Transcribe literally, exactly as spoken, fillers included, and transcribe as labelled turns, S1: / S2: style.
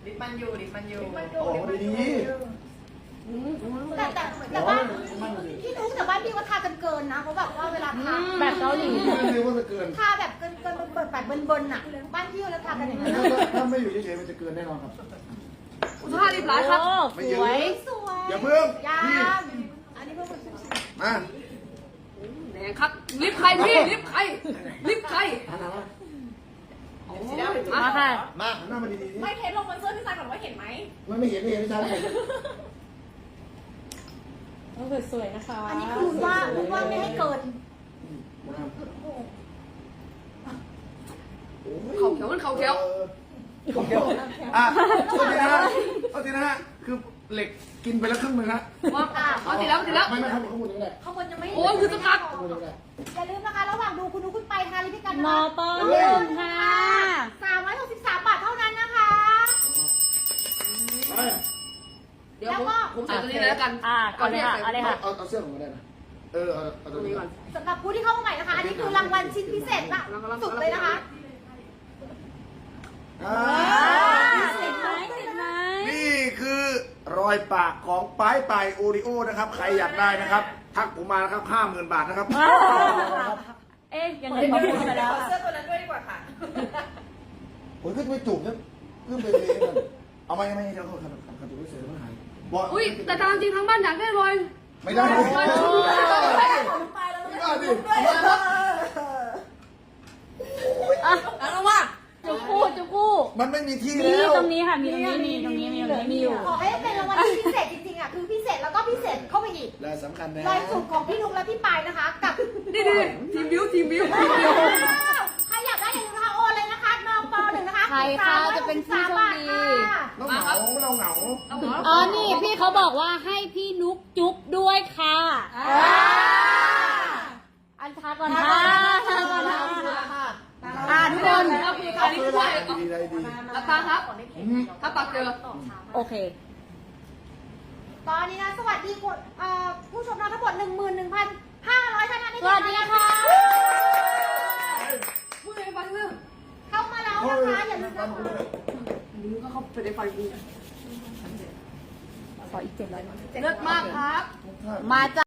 S1: ลิปมันอยู่ลิปมันอยู่
S2: โอ้ดี
S3: แต่แต่แต่บ้านพี่นุ๊กแต่บ้านพี่ก็ทากันเกินนะเขาแบบว่าเวลาทา
S4: แบบเกาหลี
S2: ไม่รู้ว่าจะเกิน
S3: ทาแบบเกินเกินเปิดแบบเบิร์นๆอ่ะบ้านพี่ก็ทากันอย่างนั้น
S2: ถ้าไม่อยู่เฉยๆมันจะเกินแน่นอนครับ
S1: คุณท่ารีบร้ายครับ
S4: สวย
S3: สวย
S2: อย่าเพิ่ง
S3: ยามอันนี้เพิ่งมา
S2: มา
S1: แหนครับลิฟใครพี่ลิฟใครลิฟใคร
S2: หันหน้ามา
S4: มาค่ะ
S2: มาหันหน้ามาดีๆ
S1: ไม่เทสลงบนเสื้อพี่ซายก่อนว่าเห็นไหม
S2: ไม่ไม่เห็นไม่เห็นไม่ใช่ไม่เห็น
S4: ต้องสวยๆนะคะ
S3: อันนี้คือว่าว่าไม่ให้เกิน
S1: เขาเขียวมันเขาเขียว
S2: เขาเขียวอ่ะเอาทีนะฮะเอาทีนะฮะคือเหล็กกินไปแล้วครึ่งนึงฮะ
S1: ว่าเอาทีแล้วทีแล้ว
S2: ไม่ไม่ครับข้างบนนี่แหละ
S3: ข้างบนยังไม่
S1: โอ้ยคือสกัด
S2: ข้างบนนี่แหละ
S3: อย่าลืมนะคะระหว่างดูคุณนุ๊กคุณไปทาลิปกัน
S4: มอปอ
S2: เฮ้
S4: ห
S2: ย
S4: นึ่งค่ะ
S3: สามร้อยหกสิบสามบาทเท่านั้นนะคะ
S2: ไป
S1: เดี๋ยวผมผมใส่ตัวนี้เลยแล้วกัน
S4: อ่าเอาเลยค่ะเอาเลยค่ะ
S2: เอาเอาเสื้อผมก็ได้นะเออเอาเอา
S1: ต
S2: ตั
S1: ร
S2: ว
S1: ง
S2: นี้
S1: นี้
S2: ก่
S1: ก่
S2: อ
S1: อน น
S3: สำหรับผู้ที่เข้ามาใหม่นะคะ อันนี้คือรางวัลชิ้นพิเศษละสุดเลยนะคะ
S2: อ่า
S4: ติดไหมติดไหม
S2: นี่คือรอยปากของป้ายปลายโอริโอนะครับ ใครอยากได้นะครับ ทักผมมานะครับห้าหมื่นบาทนะครับ
S4: เอ๊ยยังไงเขาพูดไปแล้ว
S1: เสื้อตัวนั้นด้วยดีกว่าค่ะ
S2: ผมก็ไม่จูบนะเพิ่มไปเลยกันเอามายังไม่เดี๋ยวเขาขัดขัดขัดตัวเฉยๆมันหายบอก
S1: อุ้ยแต่ตามจริงทั้งบ้านอยากได้รอย
S2: ไม่ได้เลยไม่ได้ดิ
S4: อ่ะ
S1: แล้วว่า
S4: จุกคู่จุกคู่
S2: มันไม่มีที่
S4: มี
S2: แล้ว
S4: ตรงนี้ค่ะ มีตรงนี้ มีตรงนี้ มีตรงนี้มีอยู่
S3: ขอให้เป็นรางวัลที่พิเศษจริงๆอ่ะคือพิเศษแล้วก็พิเศษเข้าไปอีก
S2: และสำคัญนะ
S3: รอยจุกของพี่นุ๊กและพี่ปายนะคะ กับ
S1: นี่นี่ทีมบิวทีมบิวทีมบิว
S3: ใครอยากได้อย่าลืมนะคะโอนเลยนะคะนปหนึ่งนะคะ
S4: ใครคะจะเป็นผู้โชคดี
S2: เราเหงาเราเหงา
S1: เอาหัว
S4: อ๋อ นี่พี่เขาบอกว่าให้พี่นุกจุ๊บด้วยค่ะอันทาก่อนค่ะทาก่อนค่ะอ่าทุกคน
S1: เอาคุยกันนี่ด้วย
S2: ดีใจดี
S1: รับตาครับถ้าปากเจอ
S4: โอเค
S3: ตอนนี้นะสวัสดีคนเอ่อผู้ชมเราทั้งหมดหนึ่งหมื่นหนึ่งพันห้าร้อยท่านนะนี่
S4: สวัสดีค่ะ
S1: พูดในฟังเรื่อง
S3: เข้ามาแล้วนะคะอย่าลืมนะคะ
S1: มึงก็เข้าไปในไฟกู
S4: ขออีกเจ็ดร้อย
S1: เลิศมากครับ
S4: มาจ้ะ